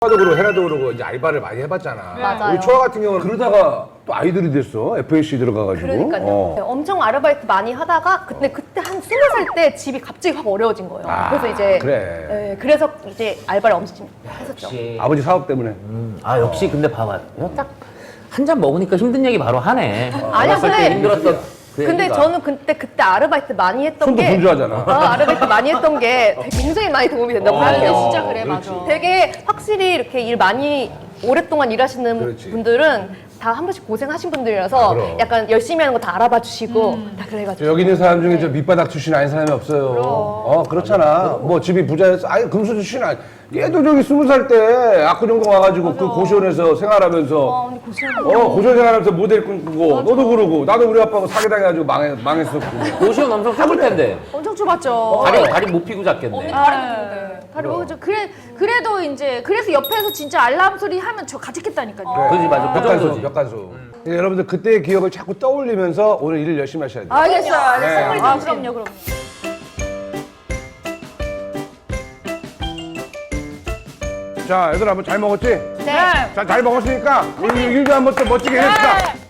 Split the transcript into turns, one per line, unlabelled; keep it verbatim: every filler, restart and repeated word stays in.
초아도 그러고 헤라도 그러고 이제 알바를 많이 해봤잖아.
맞아요.
우리 초아 같은 경우는 그러다가 또 아이돌이 됐어. 에프에이씨 들어가가지고.
그러니까요.
어.
엄청 아르바이트 많이 하다가 근데 그때 한 스무 살 때 집이 갑자기 확 어려워진 거예요.
아,
그래서 이제
그래.
네, 그래서 이제 알바를 엄청 했었죠.
역시.
아버지 사업 때문에.
음, 아 역시 근데 봐봐. 딱 한 잔 먹으니까 힘든 얘기 바로 하네.
아니야,
어렸을 때
근데-
힘들었던 그
근데
얘기가.
저는 그때 그때 아르바이트 많이 했던
손도
게
분주하잖아.
어, 아르바이트 많이 했던 게 되게 굉장히 많이 도움이 된다고
어,
생각해요.
진짜 그래, 맞아.
되게 확실히 이렇게 일 많이 오랫동안 일하시는
그렇지.
분들은 다 한 번씩 고생하신 분들이라서
그럼.
약간 열심히 하는 거 다 알아봐 주시고 다 그래가지고
여기 있는 사람 중에 저 밑바닥 출신 아닌 사람이 없어요. 어, 그렇잖아. 뭐 집이 부자였어. 아니, 금수 출신 아니. 얘도 저기 스무 살 때 압구정동 와가지고 그 고시원에서 생활하면서.
어, 근데 고시원
어, 고시원 생활하면서 모델 꿈꾸고. 너도 그러고. 나도 우리 아빠하고 사기당해가지고 망해, 망했었고.
고시원 엄청 좁을 텐데.
엄청 좁았죠.
다리 다리 못 피고 잤겠네.
아, 다리 먹었죠. 그래, 그래도 이제, 그래서 옆에서 진짜 알람 소리 하면 저 가직했다니까요.
그지 맞아. 그
벽간소,
정도지.
벽간소. 예, 여러분들 그때의 기억을 자꾸 떠올리면서 오늘 일을 열심히 하셔야 돼요.
알겠어요, 알겠어요.
네.
아, 그럼요, 그럼요.
자, 얘들아, 뭐 잘 먹었지?
네.
자, 잘 먹었으니까 우리 일도 한번 또 멋지게 해봅시다.